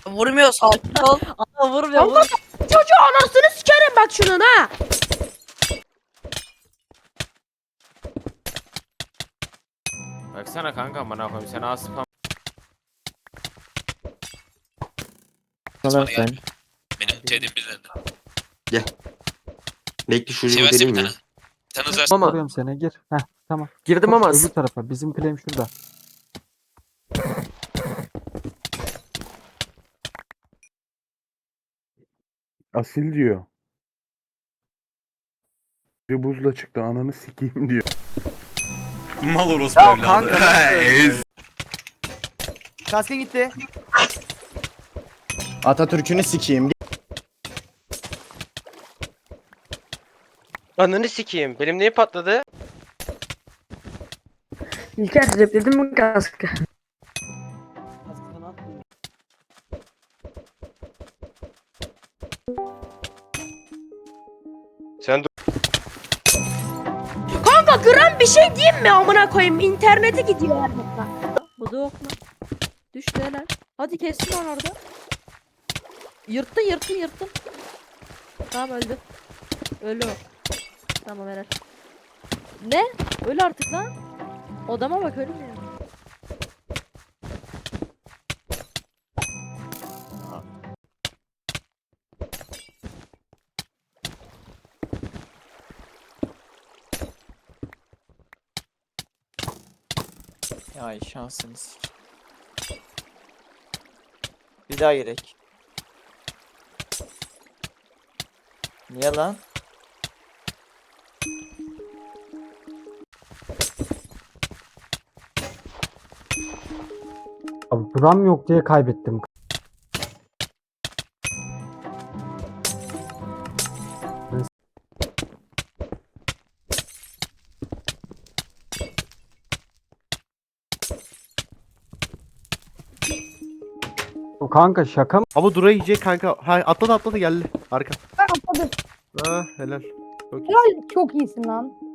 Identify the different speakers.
Speaker 1: Vurmuyor, sakin ol.
Speaker 2: Aa vurmuyor.
Speaker 3: Allah çocuğu anasını sikerim bak şunun ha.
Speaker 4: Baksana kanka bana koyayım sen az spam.
Speaker 5: Sana sen.
Speaker 6: Benim tedim bizden.
Speaker 7: Bekle şu
Speaker 6: Severse
Speaker 7: deneyim
Speaker 6: bir
Speaker 7: mi?
Speaker 6: tane. Sen uzarsın.
Speaker 5: Ama
Speaker 8: Vuruyorum seni gir. Heh tamam.
Speaker 5: girdim ama
Speaker 8: Öbür tarafa. Bizim claim şurada.
Speaker 9: Asil diyor. Bir buzla çıktı ananı sikeyim diyor.
Speaker 6: Mal orospu evladı.
Speaker 5: kaskı gitti. Atatürk'ünü sikeyim.
Speaker 10: Ananı sikeyim. Benim neyi patladı?
Speaker 3: İlker repledin mi kaskı?
Speaker 10: Sen dur.
Speaker 3: Kanka gram bir şey diyeyim mi amına koyayım? İnternete gidiyor her dakika.
Speaker 2: Bu da okla. Düştü helal. Hadi kestin onu orada. Yırttın. Tamam öldü. Öldü o. Tamam helal. Ne? Öl artık lan. Odama bak ölmüyor.
Speaker 5: Ay şansınız. Bir daha gerek. Niye lan?
Speaker 8: Abi buram yok diye kaybettim. O kanka şaka mı?
Speaker 9: Ama Dura yiyecek kanka. Ha atladı geldi. Arka.
Speaker 3: Atladım.
Speaker 9: Ha helal. Çok iyi.
Speaker 3: Çok iyisin lan.